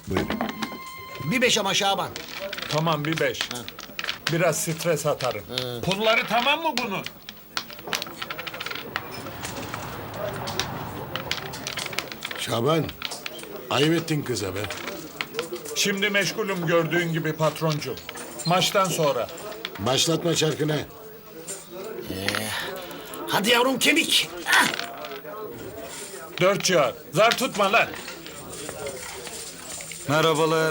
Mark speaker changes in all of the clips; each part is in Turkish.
Speaker 1: Buyurun.
Speaker 2: Bir 5 ama Şaban.
Speaker 3: Tamam bir 5. Biraz stres atarım. Pulları tamam mı bunun?
Speaker 1: Şaban, ayıp ettin kıza be.
Speaker 3: Şimdi meşgulüm gördüğün gibi patroncu. Maçtan sonra.
Speaker 1: Başlatma çarkını.
Speaker 2: Hadi yavrum kemik. Ah!
Speaker 3: 4 civar. Zar tutma lan.
Speaker 4: Merhabalar.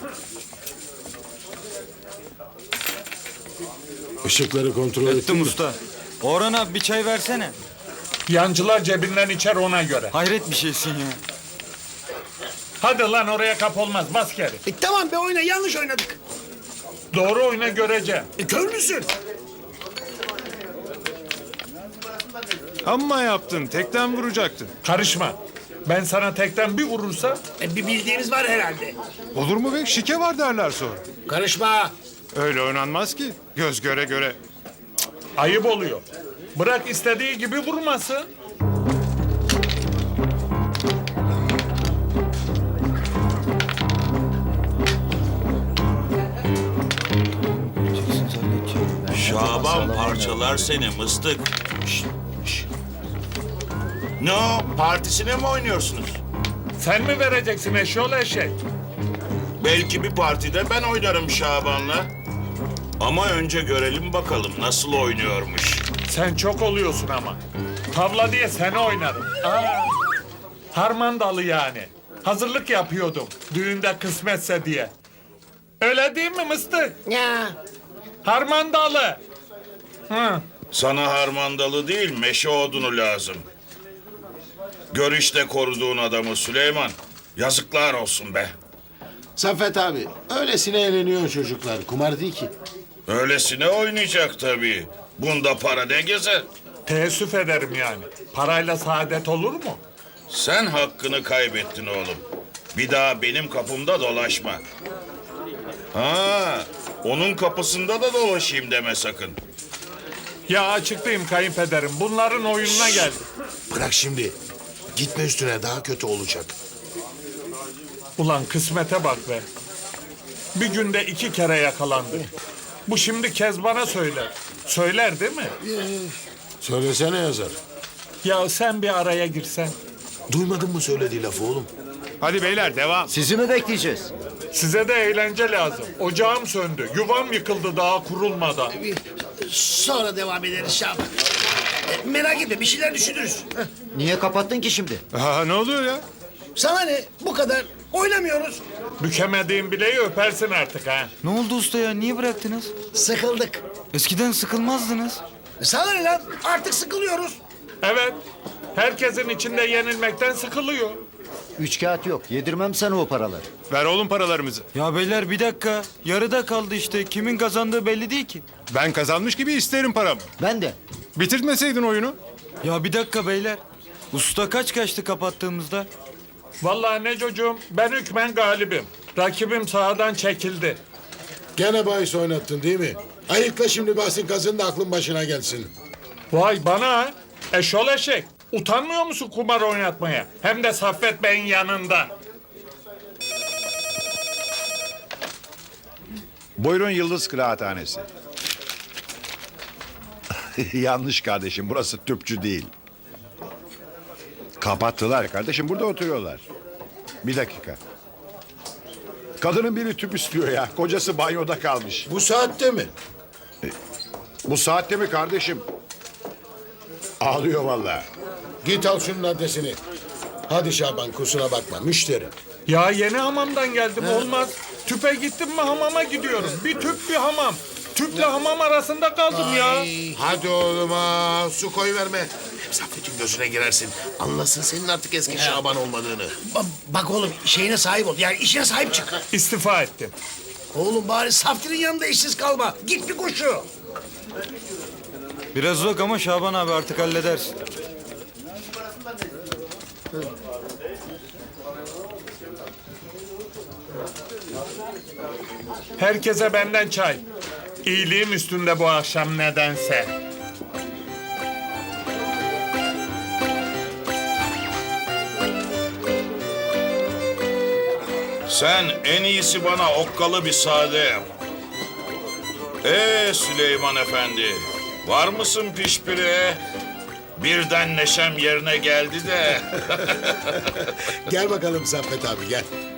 Speaker 1: Işıkları kontrol ettin
Speaker 4: Ettim
Speaker 1: mi?
Speaker 4: usta. Orhan abi bir çay versene.
Speaker 3: Yancılar cebinden içer ona göre.
Speaker 4: Hayret bir şeysin ya.
Speaker 3: Hadi lan oraya kap olmaz. Bas geri.
Speaker 2: Tamam be oyna yanlış oynadık.
Speaker 3: Doğru oyna göreceğim.
Speaker 2: Kör müsün?
Speaker 5: Amma yaptın. Tekten vuracaktın.
Speaker 3: Karışma. Ben sana tekten bir vurursam
Speaker 2: Bir bildiğimiz var herhalde.
Speaker 5: Olur mu be? Şike var derler sonra.
Speaker 2: Karışma.
Speaker 5: Öyle oynanmaz ki. Göz göre göre.
Speaker 3: ayıp oluyor. Bırak istediği gibi vurmasın.
Speaker 6: Şaban parçalar seni mıstık. Şşt, şşt. Ne o? Partisine mi oynuyorsunuz?
Speaker 3: Sen mi vereceksin eşyol eşek?
Speaker 6: Belki bir partide ben oynarım Şaban'la. Ama önce görelim bakalım nasıl oynuyormuş.
Speaker 3: Sen çok oluyorsun ama. Tavla diye seni oynarım. Harmandalı yani. Hazırlık yapıyordum. Düğünde kısmetse diye. Öyle değil mi mıstık?
Speaker 2: Ya.
Speaker 3: Harmandalı. Hı.
Speaker 6: Sana harmandalı değil meşe odunu lazım. Gör işte koruduğun adamı Süleyman. Yazıklar olsun be.
Speaker 1: Saffet abi, öylesine eğleniyor çocuklar. Kumar değil ki.
Speaker 6: Öylesine oynayacak tabii. Bunda para ne gezer?
Speaker 3: Teessüf ederim yani. Parayla saadet olur mu?
Speaker 6: Sen hakkını kaybettin oğlum. Bir daha benim kapımda dolaşma. Ha, onun kapısında da dolaşayım deme sakın.
Speaker 3: Ya açıklayayım kayınpederim. Bunların oyununa geldi.
Speaker 1: Bırak şimdi. Gitme üstüne, daha kötü olacak.
Speaker 3: Ulan kısmete bak be. Bir günde 2 kere yakalandı. Bu şimdi Kezban'a söyler. Söyler değil mi?
Speaker 1: Söylesene yazar.
Speaker 3: Ya sen bir araya girsen.
Speaker 1: Duymadın mı söylediği lafı oğlum?
Speaker 5: Hadi beyler devam.
Speaker 7: Sizi mi bekleyeceğiz?
Speaker 3: Size de eğlence lazım. Ocağım söndü. Yuvam yıkıldı daha kurulmadan.
Speaker 2: Sonra devam ederiz Şaban. Merak etme bir şeyler düşünürüz. Heh.
Speaker 7: Niye kapattın ki şimdi?
Speaker 5: Aa, ne oluyor ya?
Speaker 2: Sana ne? Bu kadar. Oynamıyoruz.
Speaker 3: Bükemediğin bileği öpersin artık ha.
Speaker 4: Ne oldu usta ya? Niye bıraktınız?
Speaker 2: Sıkıldık.
Speaker 4: Eskiden sıkılmazdınız.
Speaker 2: Sana ne lan? Artık sıkılıyoruz.
Speaker 3: Evet. Herkesin içinde yenilmekten sıkılıyor.
Speaker 7: 3 kağıt yok. Yedirmem sana o paraları.
Speaker 5: Ver oğlum paralarımızı.
Speaker 4: Ya beyler bir dakika. Yarıda kaldı işte. Kimin kazandığı belli değil ki.
Speaker 5: Ben kazanmış gibi isterim paramı.
Speaker 7: Ben de.
Speaker 5: Bitirtmeseydin oyunu.
Speaker 4: Ya bir dakika beyler. Usta kaç kaçtı kapattığımızda?
Speaker 3: Vallahi ne çocuğum ben hükmen galibim. Rakibim sahadan çekildi.
Speaker 1: Gene bahis oynattın değil mi? Ayıkla şimdi bahsin kazın da aklın başına gelsin.
Speaker 3: Vay bana ha. Eşol eşek. Utanmıyor musun kumar oynatmaya? Hem de Saffet Bey'in yanında.
Speaker 8: Buyurun Yıldız Kıraathanesi. Yanlış kardeşim, burası tüpçü değil. Kapattılar kardeşim, burada oturuyorlar. Bir dakika. Kadının biri tüp istiyor ya, kocası banyoda kalmış.
Speaker 1: Bu saatte mi?
Speaker 8: Bu saatte mi kardeşim? Ağlıyor vallahi.
Speaker 1: Git al şunun adresini. Hadi Şaban, kusura bakma, müşteri.
Speaker 3: Ya yeni hamamdan geldim olmaz. Tüpe gittim mi hamama gidiyorum. Bir tüp bir hamam. Tüple hamam arasında kaldım ya.
Speaker 1: Hadi oğluma, su koy verme. Hem Saffet'in gözüne girersin. Anlasın senin artık eski Şaban olmadığını.
Speaker 2: Bak oğlum şeyine sahip ol. Yani işine sahip çık.
Speaker 3: İstifa ettim.
Speaker 2: Oğlum bari Saftir'in yanında işsiz kalma. Git bir koşu.
Speaker 4: Biraz uzak ama Şaban abi artık halledersin.
Speaker 3: Herkese benden çay. İyiliğim üstünde bu akşam nedense.
Speaker 6: Sen en iyisi bana okkalı bir sade yap. Süleyman Efendi, var mısın pişpire? Birden neşem yerine geldi de.
Speaker 9: Gel bakalım Saffet abi gel.